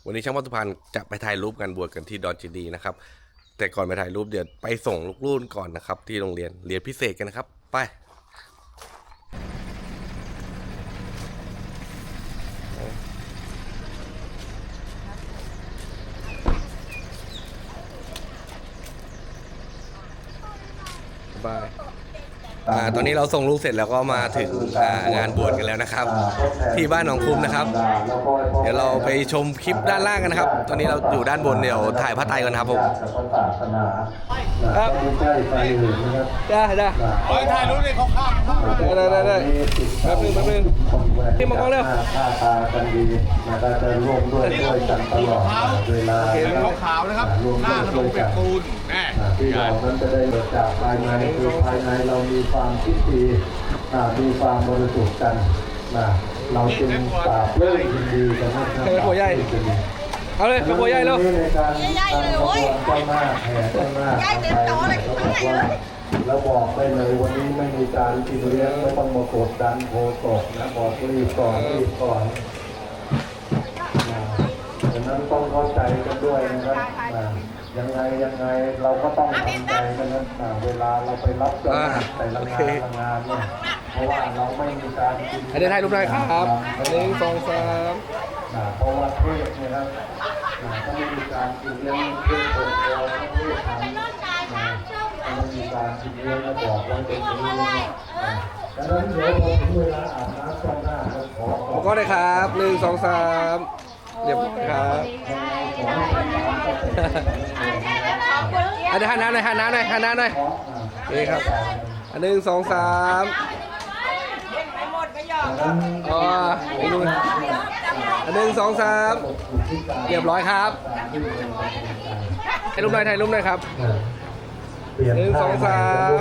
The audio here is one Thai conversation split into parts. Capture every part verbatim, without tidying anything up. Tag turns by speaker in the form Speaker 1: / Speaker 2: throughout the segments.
Speaker 1: วันนี้ช่างวัตถุพันธ์จะไปถ่ายรูปกันบวชกันที่ดอนเจดีนะครับแต่ก่อนไปถ่ายรูปเดี๋ยวไปส่งลูกรุ่นก่อนนะครับที่โรงเรียนเรียนพิเศษกันนะครับไปบายอ่าตอนนี้เราส่งลูกเสร็จแล้วก็มาถึงงานบวชกันแล้วนะครับที่บ้านหนองคุ้มนะครับเดี๋ยวเราไปชมคลิปด้านล่างกันนะครับตอนนี้เราอยู่ด้านบนเดี๋ยวถ่ายพระไตรกันครับผมครับได้ได้ถ่ายรูปเลยเขาข้ามได้ได้ได้แป๊บนึงแป๊บนึงที่มังกรเร็ว
Speaker 2: กันดีนะก็จะร่วมด้วยช่วยกันตลอดเวลา
Speaker 3: ขาวนะครับหน้าขนมเป็ดปูนแม่
Speaker 2: ที่เรานั้นจะได้เกิดจากภายในคือภายในเรามีความคิดดีมีความบริสุทธิ์กันนะเราจึงปราบเรื่องดีกันนะครับ
Speaker 1: เป็นหัวใหญ่เอาเลยเป็นหัวใหญ่แล้ว
Speaker 2: ใหญ่เลยโอ้ยเจ้าหน้าแห่เจ้าหน้าใหญ่เต็มโต๊ะเลยข้างในเลยแล้วบอกได้เลยวันนี้ไม่มีการกินเลี้ยงไม่ต้องมากดดันโคตกนะบอกรีบก่อนรีบก่อนดังนั้นต้องเข้าใจกันด้วยนะครับยังไงยังไงเราก็ต้องทำใจกันนะเวลาเราไปรับจ้างแต่ละงานงานเนี่ยเพราะว่าเราไม่มีการกิน
Speaker 1: อันนี้ถ่ายรูปได้ครับอันนี้สองสาม
Speaker 2: เพราะว่าเทศเนี่ยครับก็ไม่มีการกินเลี้ยงเพื่อคนเราเทศทำไม่มีการกินเลี้ยงแล้วบอกว่าเป็นนี้ดังนั้นเดี๋ยวพอถึงเวลาอาบน้ำจ้องหน้าขอขอ
Speaker 1: ก็ได้ครับหนึ่งสองสามเรียบครับอันนี้หันหน้าหน่อยหันหน้าหน่อยหันหน้าหน่อยนี่ครับอันหนึ่งสองสามอ๋ออีกนู่นอันหนึ่งสองสามเรียบร้อยครับถ่ายรูปหน่อยถ่ายรูปหน่อยครับหนึ่งสองสาม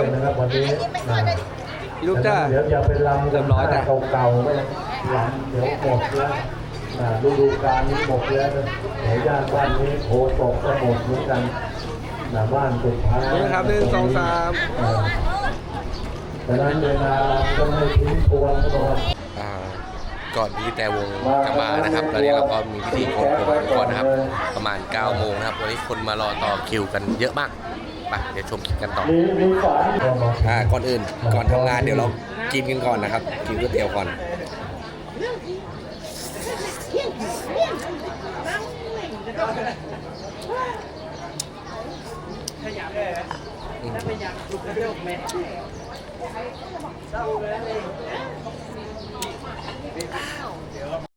Speaker 1: อีกรูปจ้า
Speaker 2: เดี๋ยวอย่าไปลำเรียบร้อยแต่เก่าๆไม่ลำเดี๋ยวหมดแล้วฤดูกาลนี้หมดแล้วแถวย่านบ้านนี้โคตกก็หมดเหมือนกันหน้าบ้านสุดท้าย
Speaker 1: นะครับหนึ่งสองสาม
Speaker 2: ดังนั้นเวลาต้องให้ทิ้งทวนก่อน
Speaker 1: ก่อนที่แต่วงจะมานะครับตอนนี้เราก็มีพิธีโกนผมก่อนนะครับประมาณเก้าโมงนะครับวันนี้คนมารอต่อคิวกันเยอะมากไปเดี๋ยวชมคลิปกันต่ออ่าก่อนอื่นก่อนทำงานเดี๋ยวเรากินกันก่อนนะครับกินก๋วยเตี๋ยวก่อนขยับเลยถ้าไม่อยากลุกกระโดดแม่